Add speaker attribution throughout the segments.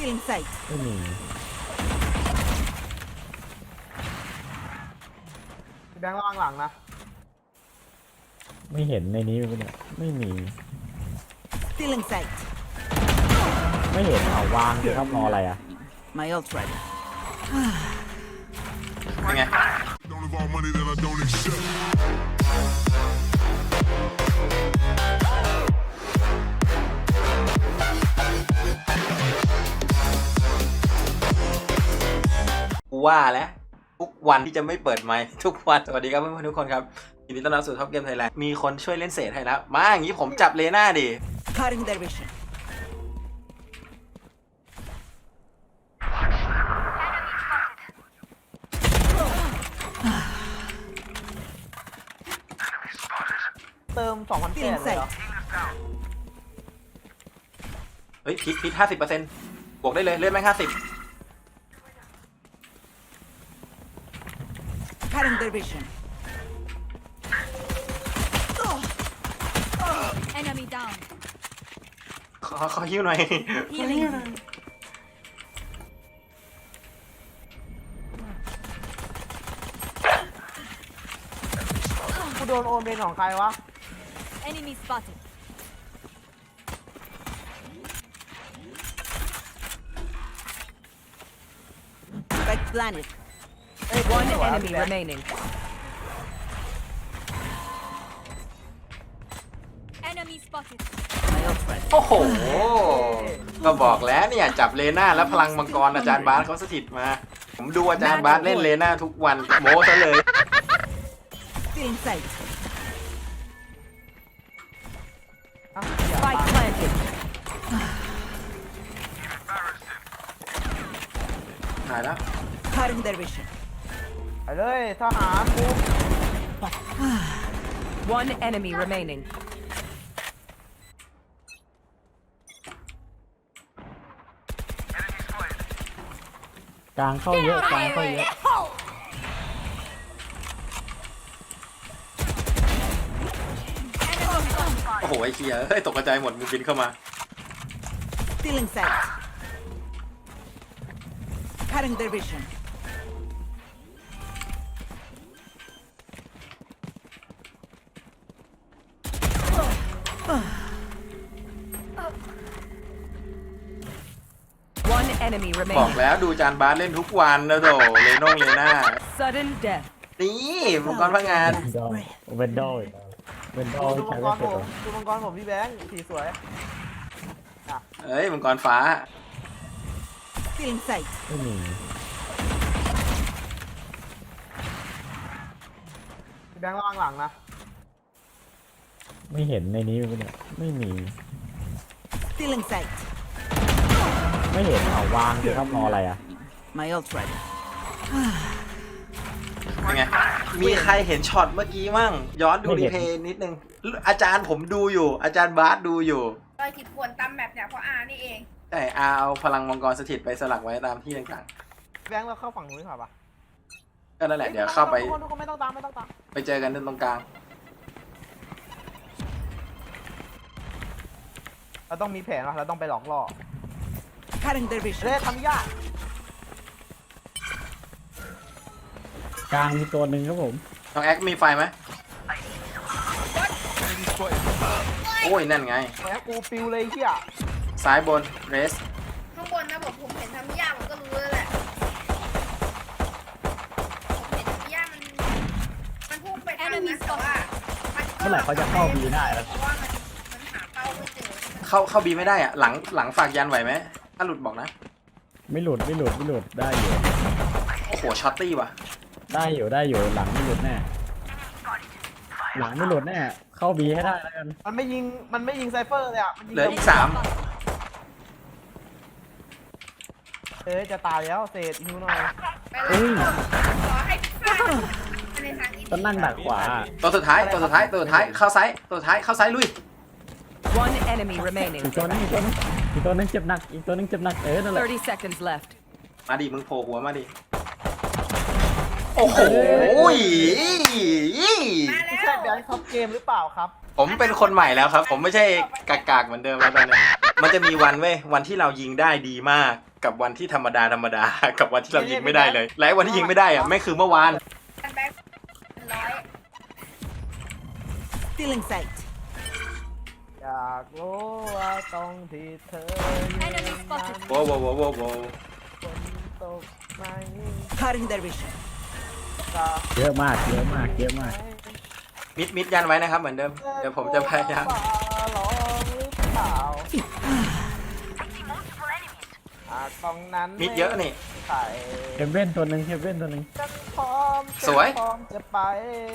Speaker 1: Feeling safe.
Speaker 2: ไม่มี
Speaker 3: พี่แบงค์ระวังหลังนะ
Speaker 2: ไม่เห็นในนี้เลยเนี่ยไม่มี
Speaker 1: Feeling safe.
Speaker 2: ไม่เห็นเอาวางเลยครับรออะไรอ่ะ
Speaker 1: My ult ready.
Speaker 4: เป็นไง
Speaker 5: Don't involve money that I don't accept.
Speaker 4: กูว่าแล้วทุกวันที่จะไม่เปิดไมค์ทุกวันสวัสดีครับเพื่อนๆทุกคนครับยินดีต้อนรับสู่ท็อปเกมไทยแลนด์มีคนช่วยเล่นเศษให้แล้วมาอย่างนี้ผมจับเลน่าดิ
Speaker 1: Cutting their vision.
Speaker 3: เติม2,000แปดเลยเหรอ
Speaker 4: เฮ้ยพิษ50%บวกได้เลยเลื่อนแม่ง50
Speaker 1: Cutting their vision.
Speaker 6: Enemy down.
Speaker 4: ขอฮิ้วหน่อย
Speaker 6: Healing.
Speaker 3: กูโดนโอนเป็นของใครวะ
Speaker 6: Enemy spotted.
Speaker 1: Spike planet.
Speaker 7: One enemy remaining.
Speaker 6: Enemy spotted.
Speaker 1: My ult ready.
Speaker 4: โอ้โหก็บอกแล้วเนี่ยจับเลน่าแล้วพลังมังกรอาจารย์บาสเขาสถิตมา ผมดูอาจารย์บาสเล่นเลน่าทุกวันโม้ซะเลย
Speaker 1: Feeling safe.
Speaker 3: อ่ะ
Speaker 7: Spike planted.
Speaker 4: หายแล้ว
Speaker 1: Cutting their vision.
Speaker 3: ไปเลยทหารกู
Speaker 7: One enemy remaining.
Speaker 2: กลางเข้าเยอะกลางเข้าเยอะ
Speaker 4: โอ้โหไอ้เคียเฮ้ยตกกระจายหมดมึงบินเข้ามา
Speaker 1: Feeling safe. Cutting their vision.
Speaker 7: One enemy
Speaker 4: บอก
Speaker 7: remaining.
Speaker 4: แล้วดูอาจารย์บาสเล่นทุกวันนะโถเลน่า
Speaker 7: Sudden death.
Speaker 4: นี่มังกรพระงาน
Speaker 2: เวนดอลเวนดอล
Speaker 3: ดู
Speaker 2: ใช้
Speaker 3: มังก
Speaker 2: ไม่
Speaker 3: ร
Speaker 2: เสร็จ
Speaker 3: ผ
Speaker 2: หร
Speaker 3: ม
Speaker 2: อ
Speaker 3: ดูมังกรผมพี่แบงค์สีสวย
Speaker 4: เอ้ยมังกรฟ้า
Speaker 1: Feeling safe.
Speaker 2: ไม่มี
Speaker 3: พี่แบงค์ระวังหลังนะ
Speaker 2: ไม่เห็นในนี้เลยเนี่ยไม่มี
Speaker 1: Feeling safe.
Speaker 2: ไม่เห็นเอาวางเลยครับรออะไรอ่ะ
Speaker 1: My ult ready.
Speaker 4: เป็นไง มีใครเห็นช็อตเมื่อกี้มั่ง ย้อนดู
Speaker 2: ไม่
Speaker 4: รี
Speaker 2: เห็น
Speaker 4: เพย์นิดนึง อาจารย์ผมดูอยู่ อาจารย์บาสดูอยู่
Speaker 8: รอยขีดข่วนตามแบบเนี่ยเพราะอานี่เอง
Speaker 4: แต่เอาพลังมังกรสถิตไปสลักไว้ตามที่ต่าง
Speaker 3: พี่แบงค์เราเข้าฝั่งนู้นดีกว่าปะ
Speaker 4: ๆ ก็นั่นแหละเดี๋ยวเข้าไป
Speaker 3: ทุกคนไม่ต้องตามไม่ต้องตาม
Speaker 4: ไปเจอกันตรงกลาง
Speaker 3: เราต้องมีแผนวะเราต้องไปหลอกล่อ
Speaker 1: Cutting their vision.
Speaker 3: เล่ทำยาก
Speaker 2: กลางมีตัวหนึ่งครับผม
Speaker 4: น้องแอคมีไฟไหมโอ้ย นั่นไง
Speaker 3: แหมกูปิวเลยเฮีย
Speaker 4: ซ้ายบนเรส
Speaker 8: ข้างบนนะผมเห็นทำยากผมก็รู้แล้วแหละผมเห็นทำยากมันพุ่งไปทางนั้นแต่ว่ามันก็
Speaker 2: เมื่อไหร่เขาจะเข้าบีได้แล้ว
Speaker 8: เพราะว่ามันหาเป้าไม่เจอ
Speaker 4: เข้าบีไม่ได้อะหลังฝากยันไหวไหมถ้าหลุดบอกนะ
Speaker 2: ไม่หลุดได้อยู่
Speaker 4: โอ้โห ช็อตตี้ว่ะ
Speaker 2: ได้อยู่หลังไม่หลุดแน่หลังไม่หลุดแน่เข้าบีให้ได้แล้วกัน
Speaker 3: มันไม่ยิงไซเฟอร์เลยอ่ะมันยิง
Speaker 4: เหลืออีก3
Speaker 3: จะตายแล้วเศษฮิวหน่อย
Speaker 8: ไปเลยขอให้พิซซ่าในทางนี้
Speaker 2: ต้องนั่งดักขวา
Speaker 4: ตัวสุดท้ายเข้าซ้ายลุย
Speaker 7: One enemy remaining.
Speaker 2: อีกตัวนึงเจ็บหนักนั่นแหละ
Speaker 7: 30 seconds left.
Speaker 4: มาดิมึงโผล่หัวมาดิ โอ้โห
Speaker 8: มา
Speaker 3: ไม่
Speaker 8: แล้
Speaker 3: ใช่
Speaker 8: ว
Speaker 3: แบงค์ท็อปเกมหรือเปล่าครับ
Speaker 4: ผมเป็นคนใหม่แล้วครับ ผมไม่ใช่กากๆเหมือนเดิมแล้วตอนนี้มันจะมีวันเว้ยวันที่เรายิงได้ดีมากกับวันที่ธรรมดา กับวันที่เรายิงไม่ได้เลย และวันที่ยิงไม่ได้อะแม่งคือเมื่อวาน
Speaker 8: แบงค์ร้อย
Speaker 1: Stealing sight.
Speaker 3: อยากรู้ว่าตรงที่เธอ
Speaker 6: Enemy spotted.
Speaker 4: โว้วโว้วโว้วโว้วโว้ว
Speaker 3: ฝนตกไหม
Speaker 1: Cutting their vision.
Speaker 3: จะ
Speaker 2: เยอะมากเยอะมากเยอะมาก
Speaker 4: มิดยันไว้นะครับเหมือนเดิม เดี๋ยวผมจะพยายาม
Speaker 3: ฟ้ร้องหรือเปล่าตรงนั้น
Speaker 4: มิดเยอะนี่
Speaker 3: ใส่
Speaker 2: เฮเว่นตัวหนึ่งเฮเว่นตัวหนึ่ง
Speaker 3: ฉันพร้อม
Speaker 4: สวย
Speaker 3: ฉันพร้อมจะไป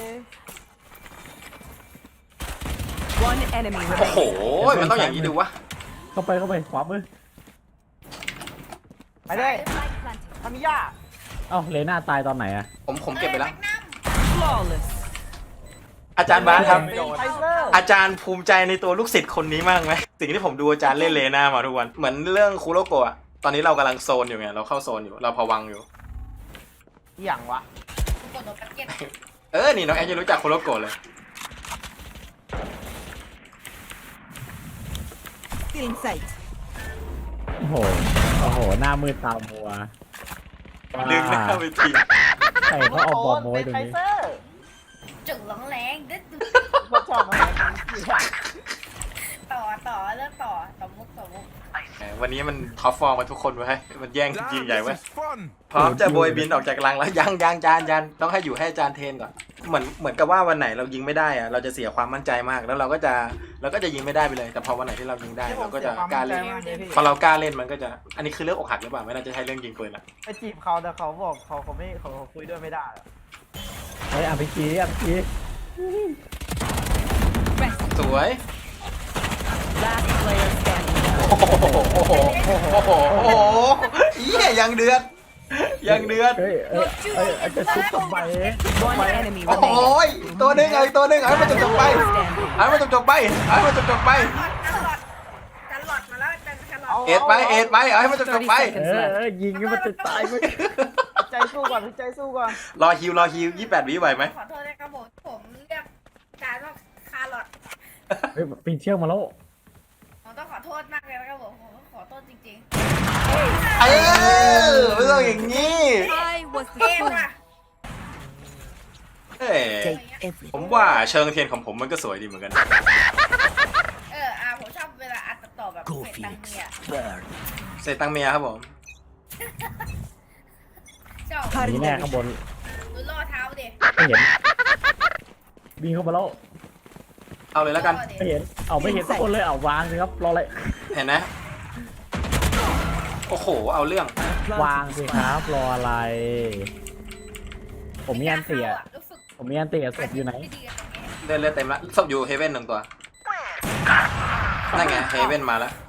Speaker 7: One enemy
Speaker 4: โอ้โห
Speaker 7: remaining.
Speaker 4: มันต้องอย่างนี้ดูวะ
Speaker 2: เข้าไปขวามือ
Speaker 3: ไปเลย
Speaker 6: Spike planted.
Speaker 3: ทามิยา
Speaker 2: เอ้าเลน่าตายตอนไหนอะ
Speaker 4: ผมเก็บไปแล้ว
Speaker 7: Flawless.
Speaker 4: อาจารย์บาสครับ
Speaker 3: ไฟเซอร์
Speaker 4: อาจารย์ภูมิใจในตัวลูกศิษย์คนนี้มากไหมสิ่งที่ผมดูอาจารย์เล่นเลน่ามาทุกวัน เหมือนเรื่องคูโรโกะอะตอนนี้เรากำลังโซนอยู่ไง เราเข้าโซนอยู่ เราพะวังอยู่
Speaker 3: อย่างวะ
Speaker 8: กดโดนแพ็กเก็ต
Speaker 4: นี่น้องแอนจะรู้จักคูโรโกะเลย
Speaker 1: Stealing sight.
Speaker 2: โอ้โหโอ้โหหน้ามืดตามัว
Speaker 4: ดึงหน้าไปที
Speaker 2: ใครเขาเอาบอลมาไว้ตรง
Speaker 3: ไฟ
Speaker 2: นี้
Speaker 3: เซอร์
Speaker 8: จึงหลงแรงดึ๊ด
Speaker 3: เขาชอบมา
Speaker 8: เริ่มต่อมุก
Speaker 4: วันนี้มันท็อปฟอร์มมาทุกคนไว้ยมันแย่ง
Speaker 5: Damn,
Speaker 4: ยิงใหญ่ไว้ย
Speaker 5: this is fun.
Speaker 4: พร้อมจะโบยบินออกจากรังแล้วยังจานต้องให้อยู่ให้อาจารย์เทรนก่อนเหมือนกับว่าวันไหนเรายิงไม่ได้อะเราจะเสียความมั่นใจมากแล้วเราก็จะยิงไม่ได้ไปเลย แต่พอวันไหนที่เรายิงได้เราก็จะกล้าเล่นพอเรากล้าเล่นมันก็จะอันนี้คือเรื่องอกหักหรือเปล่าไม่น่าจะใช่เรื่องยิงปืนละ
Speaker 3: ไปจีบเขาแต่เขาบอกเขาไม่เขาคุยด้วยไม่ได้อะ
Speaker 2: เฮ้ยอ่ะพี่กี้
Speaker 4: สวย
Speaker 7: Last player standing.
Speaker 4: โอ้โหเหี้ยยังเดือด
Speaker 2: เฮ้ยอาจจะชุบทำไม
Speaker 7: One enemy
Speaker 4: โอ้โห
Speaker 7: remaining.
Speaker 4: ตัวหนึงตัวหนึงให้มันจบไป
Speaker 7: Standing.
Speaker 4: ให้มันจบไป
Speaker 8: กันหลอดมาแล้วกันหลอด
Speaker 4: เอ็ดไปให้มันจบไป
Speaker 2: ยิงให้มันจะตายไหม
Speaker 3: ใจสู้ก่อนใจสู้ก่อน
Speaker 4: รอฮิว28 วิไหวไหม
Speaker 8: ขอโทษนะครับผมเรียกการว่าคาร์ลอด
Speaker 2: เฮ้ยปีนเชือกมาแล้ว
Speaker 8: ผมต้องขอโทษมากเลยนะครับผมขอโทษจริง
Speaker 4: ไม่ต้องอย่างนี้
Speaker 6: I was
Speaker 8: ๆ
Speaker 6: the
Speaker 8: เกม
Speaker 6: first.
Speaker 8: ว่ะ
Speaker 1: Take everything.
Speaker 4: ผมว่าเชิงเทียนของผมมันก็สวยดีเหมือนกัน
Speaker 8: ผมชอบเวลาอัดต่อแบบเฟซตังเมีย
Speaker 4: เศษตังเมียครับผม
Speaker 8: ชอบ
Speaker 2: นี่
Speaker 1: Cutting
Speaker 2: แน่
Speaker 1: their
Speaker 2: ข้างบ
Speaker 1: vision.
Speaker 2: น
Speaker 8: ดูล่อเท้าดิ
Speaker 2: ไม่เห็นวิ่งเข้ามาแล้ว
Speaker 4: เอาเลยแล้วกัน
Speaker 2: ไม่เห็นไม่เห็นทุกคนเลยวางสิครับรออะไร
Speaker 4: เห็นนะ โอ้โห เอาเรื่อง
Speaker 2: วางสิครับรออะไร ผมมีอันเตียศพอยู่ไหน
Speaker 4: เลือดเต็มแล้วศพอยู่เฮเว่น1 ตัว นั่นไงเฮเว่นมาแล้ว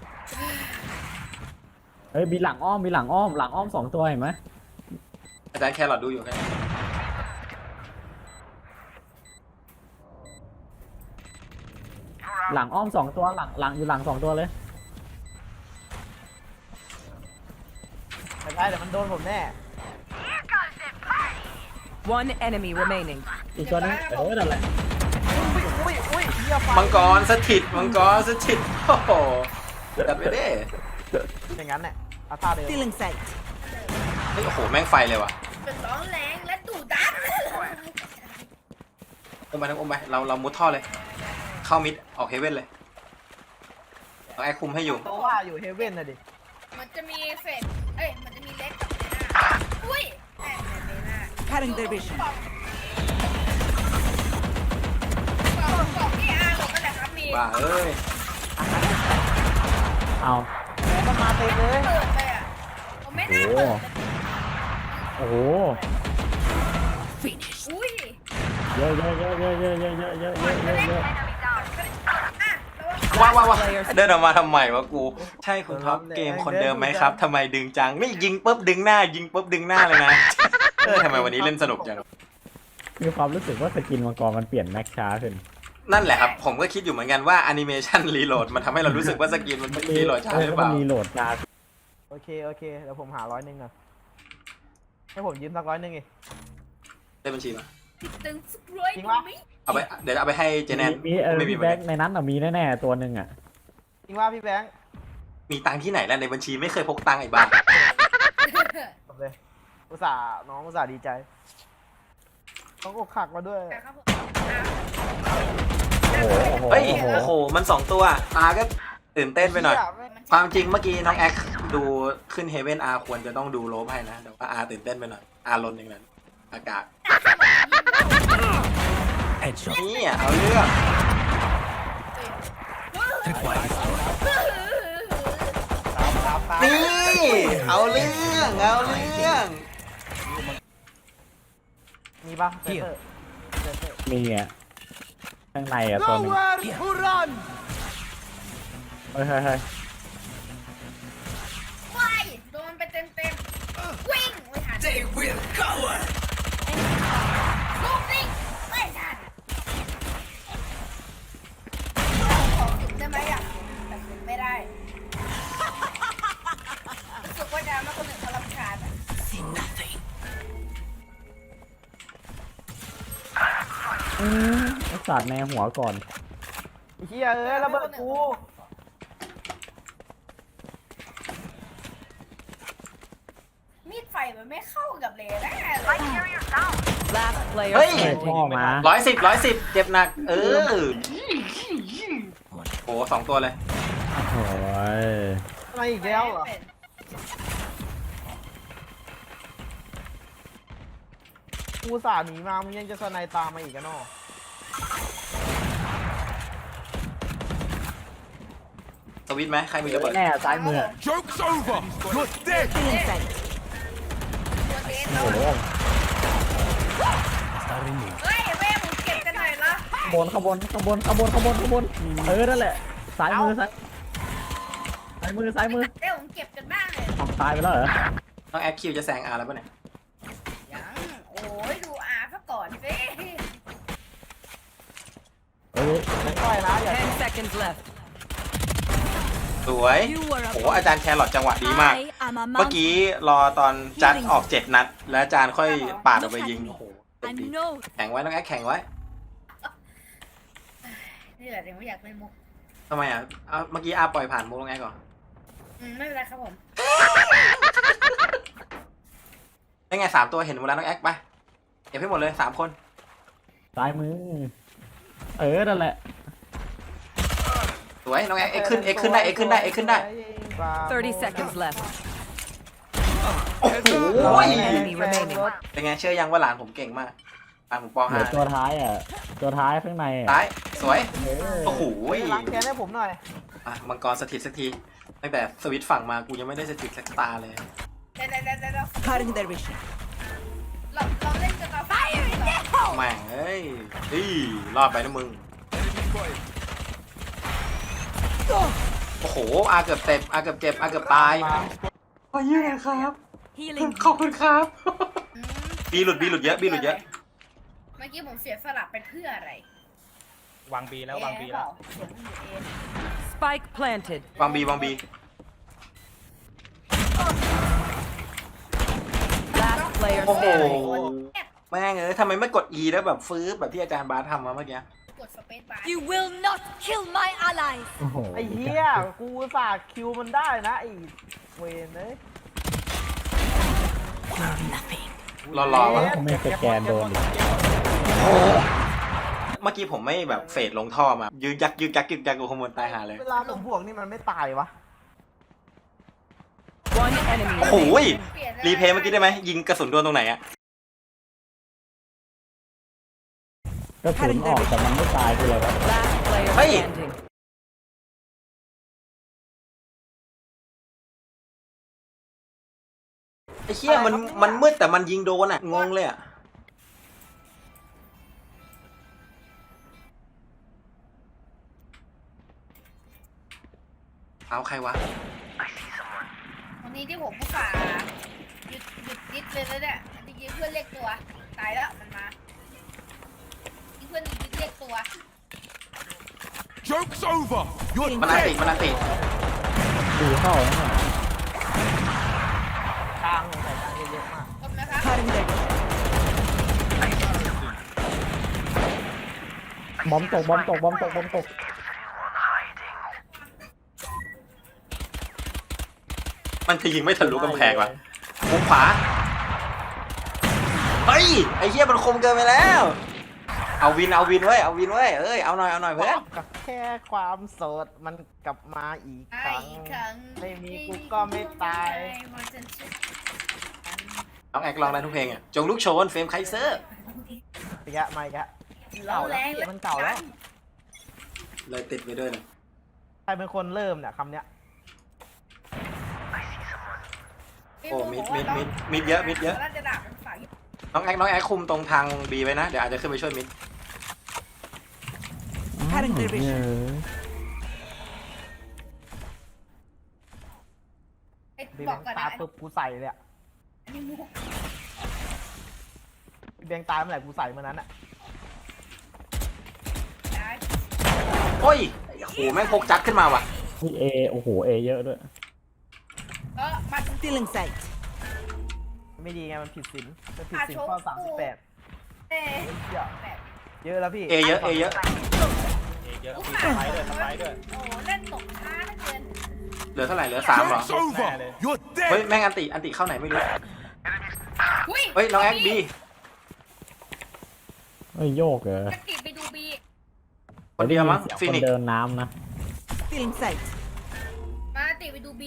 Speaker 2: เฮ้ยมีหลังอ้อม2 ตัวเห็นไหม
Speaker 4: อาจารย์แครอทดูอยู่แค่
Speaker 2: หลังอ้อม2 ตัวหลังอยู่หลัง2 ตัวเลย
Speaker 3: ไม่ได้แต่มันโดนผมแน่
Speaker 7: One enemy remaining.
Speaker 2: อีกตัวนึงนั่นแหละ
Speaker 3: อุ้ยเหี้ยไฟ
Speaker 4: มังกรสถิตโอ้โหจัดไปดิ
Speaker 3: อย่างนั้นแหละเอาท่าเดิม
Speaker 1: Stealing sight.
Speaker 4: เฮ้ยโอ้โห แม่งไฟเลยว่ะ
Speaker 8: เป็นร้องแรงและดุดัน
Speaker 4: อมไปเรามุดท่อเลย เข้ามิดออกเฮเว่นเลยเอาแอคคุมให้อยู่
Speaker 3: เพราะว่าอยู่เฮเว่นน่ะดิ
Speaker 8: มันจะมีเฟสมันจะมีเล็กกับเบน่าอุ้ยแอบเบน่า
Speaker 1: Cutting their vision.
Speaker 8: ของพี่อาร์หลบกันแหละครับมี
Speaker 4: บ้าเอ้ย
Speaker 2: เอา
Speaker 3: แล้วมันมาเต็มเลย
Speaker 8: เปิดเลยอ่ะผมไม่น่าเปิด
Speaker 2: โอ้โห
Speaker 8: อุ้ย
Speaker 2: เยอะ
Speaker 4: ว้าวเดินออกมาทำไมวะกู ใช่คุณท็อปเกมคนเดิมไหมครับทำไมดึงจังนี่ยิงปุ๊บดึงหน้าเลยนะทำไมวันนี้เล่นสนุกจัง
Speaker 2: มีความรู้สึกว่าสกินมังกรมันเปลี่ยนแม็กช้าขึ้น
Speaker 4: นั่นแหละครับ ผมก็คิดอยู่เหมือนกันว่าแอนิเมชันรีโหลดมันทำให้เรารู้สึกว่าสกินมันรีโหลดช้าหรือเปล่า
Speaker 2: มันรีโหลดช้า
Speaker 3: โอเคเดี๋ยวผมหา100ก่อนให้ผมยืมสัก100อีก
Speaker 4: ได้บัญชีมา
Speaker 8: ตึงสกรวยดูไหม
Speaker 4: เอาไปเดี๋ยวเอาไปให้เจแนน
Speaker 2: มี
Speaker 4: ไม่มี
Speaker 2: พี่แบงค์ในนั้นมีแน่ๆตัวหนึ่งอ่ะ
Speaker 3: จริงว่าพี่แบงค์
Speaker 4: มีตังค์ที่ไหนแล้วในบัญชีไม่เคยพกตังค์ไอ้บ้า
Speaker 3: จบเลยน้องอุตส่าห์ดีใจต้องอกหักมาด้วย
Speaker 8: ครับผม
Speaker 2: โอ้โหโอ้โห
Speaker 4: เฮ้ย
Speaker 2: โอ้โห
Speaker 4: โอ้โหมัน2ตัวตาก็ตื่นเต้นไปหน่อย ความจริงเมื่อกี้น้องแอคดูขึ้นเฮเว่นอาควรจะต้องดูโลบให้นะแต่ว่าอาตื่นเต้นไปหน่อยอาลนอย่างนั้นอากาศนี่เอาเรื่องนี่เอาเรื่องเอาเรื่อง
Speaker 3: มีปะเซนเตอร์
Speaker 2: มีอ่ะข้างในอ่ะตัวหนึงเฮ้ยเฮ้ยเฮ้ย
Speaker 8: ว้ายโดนไปเต็มวิ่งไม่ทันลูกวิ่งไม่ทันขอถึงได้ไหมอ่ะแต่ถึงไม่ได้รู้สึกว่าจะมาคนหนึ่งเขารำคาญอ่ะ
Speaker 2: ไอ้สัตว์ในหัวก่อน
Speaker 3: ไอ้เหี้ยระเบิดกู
Speaker 8: มีดไฟมันไม่เข้ากับเลนแน่เลย
Speaker 7: Last player
Speaker 4: เฮ้ย
Speaker 2: เฮ้ย
Speaker 7: standing.
Speaker 2: พ่อมา
Speaker 4: 110เจ็บหนักโอ้2ตัวเลย
Speaker 2: โอ้ย
Speaker 3: อะไรอีกแล้วเหรอกูอุตส่าห์หนีมามึงยังจะสไนตามมาอีกกันเนาะ
Speaker 4: สวิตช์ไหมใครมีระเบิด
Speaker 2: แน่ซ้ายมือ
Speaker 5: Joke's over. You're dead.
Speaker 1: Still inside.
Speaker 8: ตัวเดน
Speaker 2: โอ้โห
Speaker 8: เฮ้ยแม่ผมเก็บกันหน่อยละ
Speaker 2: ข้างบนนั่นแหละซ้ายมือซ้ายมือ
Speaker 8: เดี๋ยวผมเก็บกันบ้างเลย
Speaker 2: ทำตายไปแล้วเหรอ
Speaker 4: น้องแอคคิวจะแซงอาแล้วป่ะเนี่ย
Speaker 8: ยังโอ้ยดูอาซะก่อนสิ
Speaker 2: เฮ้ย
Speaker 3: ไม่ค่อยนะอย่า
Speaker 7: 10 seconds left.
Speaker 4: สวย
Speaker 6: You were a
Speaker 4: โอ้อาจารย์แครอทจังหวะดีมาก
Speaker 6: I am a
Speaker 4: เมื่อ
Speaker 6: mountain.
Speaker 4: กี้รอตอนจัดออก7 นัด แล้วอาจารย์ค่อยปาดออกไปยิง โอ้โหเต็ม
Speaker 6: I
Speaker 4: ที่
Speaker 6: know
Speaker 4: แข่งไว้น้องแอคแข่งไว้
Speaker 8: นี่แหละยังไม่อยากเล่นมุก
Speaker 4: ทำไมอ่ะเอาเมื่อกี้อาปล่อยผ่านมุกน้องแอคก่อน
Speaker 8: ไม่เป็นไรครับผม
Speaker 4: ได้ไง3 ตัวเห็นหมดแล้วน้องแอคไปเก็บให้หมดเลย3 คน
Speaker 2: ซ้ายมือ นั่นแหละ
Speaker 4: สวยน้องแอคเอ็กขึ้นได้
Speaker 7: 30 seconds left.
Speaker 4: โอ้โห
Speaker 7: One enemy remaining.
Speaker 4: เป็นไงเชื่อยังว่าหลานผมเก่งมากหลานผมป
Speaker 2: เหลือตัว
Speaker 4: .5
Speaker 2: ท้ายอ่ะ ตัวท้ายข้างในอ่ะ
Speaker 4: ซ้ายสวย
Speaker 2: เออ
Speaker 4: โอ้โห
Speaker 3: ล้างแค้นให้ผมหน่อย
Speaker 4: อ่ะมังกรสถิตสักทีตั้งแต่สวิตช์ฝั่งมากูยังไม่ได้สถิตสักตาเลย
Speaker 8: เดี๋ยว
Speaker 1: Cutting their vision.
Speaker 8: เราเล่นกันต่อไป
Speaker 4: แม่งเอ้ยรอดไปนะมึง โอ้โหอาเกือบเจ็บอาเกือบตายขอยืนครับ
Speaker 6: healing.
Speaker 4: ขอบคุณครับบีหลุดเยอะ
Speaker 8: เมื่อกี้ผมเสียสลับไปเพื่ออะไร
Speaker 9: วางบีแล้ววางบีแล้ว
Speaker 8: เสียงมันอยู่เอง
Speaker 7: Spike planted.
Speaker 4: วางบี
Speaker 7: Last player
Speaker 4: โอ้โห
Speaker 7: standing.
Speaker 4: แม่งเอ้ยทำไมไม่กด E แล้วแบบฟื้นแบบที่อาจารย์บาสทำมาเมื่อกี้
Speaker 8: กดสเปซบาร์
Speaker 6: You will not kill my allies.
Speaker 2: โอ้โห
Speaker 3: ไอ้เหี้ยกูอุตส่าห์คิวมันได้นะไอ้เวนเลย
Speaker 4: รอวะ
Speaker 2: ทำไมสแกนโดนอีก
Speaker 4: เมื่อกี้ผมไม่แบบเฟดลงท่อมายืดยักกูขโมยตายหาเลย
Speaker 3: เวลาผมบวกนี่มันไม่ตายวะ
Speaker 7: One enemy
Speaker 4: โอ้โห
Speaker 7: remaining.
Speaker 4: รีเพย์เมื่อกี้ได้ไหมยิงกระสุนโดนตรงไหนอะ
Speaker 2: กระสุนออกแต่มันไม่ตายคืออะไรวะ
Speaker 7: Last player
Speaker 4: Hey.
Speaker 7: standing.
Speaker 4: ไอ้เหี้ยมันมืดแต่มันยิงโดนอะงงเลยอะเอาใครวะ
Speaker 8: วันนี้ที่ผมผู้ฝ่าหยุดนิดเลยแล้วเนี่ยจริงๆเพื่อนเรียกตัวตายแล้วมันมาที่เพื่อนหยุดเรียกตัว
Speaker 5: Joke's over. You're
Speaker 4: มันอันติ
Speaker 5: dead.
Speaker 4: มันอันติ
Speaker 2: ดูเข้าแล้วเนี่ย
Speaker 3: กลางใส่กลางเยอะๆมาก
Speaker 8: จบนะครับ
Speaker 1: Cutting their vision.
Speaker 2: บอมตก
Speaker 4: มันจะยิงไม่ทะลุกำแพงว่ะมุมขวาเฮ้ยไอ้เหี้ยมันคมเกินไปแล้วเอาวินเว้ยเอ้ยเอาหน่อยเพื่อน
Speaker 3: กับแค่ความโสดมันกลับมาอีกครั้ง
Speaker 8: อีกครั้ง
Speaker 3: ไม่มีกูก็ไม่ตาย
Speaker 4: น้องแอกลองได้ทุกเพลงอ่ะจงลุกโชนเฟรมไคเซอร์
Speaker 3: อีกอะมาอีกอะ
Speaker 8: เรา
Speaker 3: เก่า
Speaker 8: แร
Speaker 3: แล้ว
Speaker 8: ง
Speaker 3: มันเก่าแล้ว
Speaker 4: เลยติดไปด้วยนะ
Speaker 3: ใครเป็นคนเริ่มเนี่ยคำเนี้ย
Speaker 4: โอ้มิดเยอะ
Speaker 8: น่าจะด่าเป็นฝ่าย
Speaker 4: น้องแอกคุมตรงทางบีไว้นะเดี๋ยวอาจจะขึ้นไปช่วยมิด
Speaker 1: Cutting their
Speaker 2: เนี่ย
Speaker 1: vision.
Speaker 3: บี
Speaker 8: บอกก่อน
Speaker 3: ตา
Speaker 8: นะ
Speaker 3: ปุ๊บกูใส่เลยอะ
Speaker 8: อันนี้มุก
Speaker 3: เบียงตายเมื่อไหร่กูใส่เมื่อนั้นอะ
Speaker 8: ได้
Speaker 4: โอ้ยโอ้โหแม่งพกจัดขึ้นมาว่ะ
Speaker 2: พี่เอโอ้โหเอเยอะด้วย
Speaker 8: มา
Speaker 1: Still in sight.
Speaker 3: ไม่ดีไงมันผิดศีลข้อ38
Speaker 8: เอ๊ะ
Speaker 3: เยอะแล้วพี่
Speaker 4: เอเยอะ
Speaker 9: เอเยอะมีสไลด์ด้วย
Speaker 8: โอ้เล่นตกช้าเหลือเกิน
Speaker 4: เหลือเท่าไหร่เหลือ3เหรอ
Speaker 5: Joke's over. You're
Speaker 4: เฮ้ย
Speaker 5: dead.
Speaker 4: แม่งอันติเข้าไหนไม่รู้
Speaker 8: อุ้ย
Speaker 4: เฮ้ยน้องแอกบี
Speaker 2: เฮ้ยโยกเหรอ
Speaker 8: จะติดไปดูบี
Speaker 4: คนเดียวมั้ง
Speaker 2: ได้
Speaker 4: ฟิ
Speaker 2: ยิน
Speaker 4: นิ
Speaker 2: เสียงคน
Speaker 4: ก
Speaker 2: เดินน้ำนะ
Speaker 1: Still in sight.
Speaker 8: มาติดไปดูบี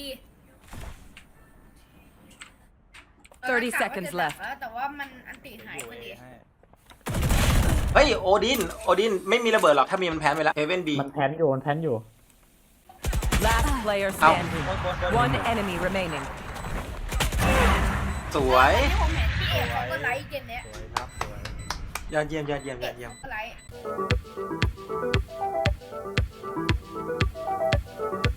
Speaker 7: 30 seconds left
Speaker 8: แต่ว่ามันอันติหายพอดี
Speaker 4: เฮ้ยโอดินไม่มีระเบิดหรอกถ้ามีมันแพ้ไปแล้วเฮเว่นบี
Speaker 2: มันแพนอยู่
Speaker 7: Last player standing. One enemy remaining.
Speaker 4: สวย
Speaker 8: ที่ผมเห็นพี่เอกเขาก็ไลค์เกมเนี้ย
Speaker 4: ยอดเยี่ยม
Speaker 8: เอกเขาก็ไลค์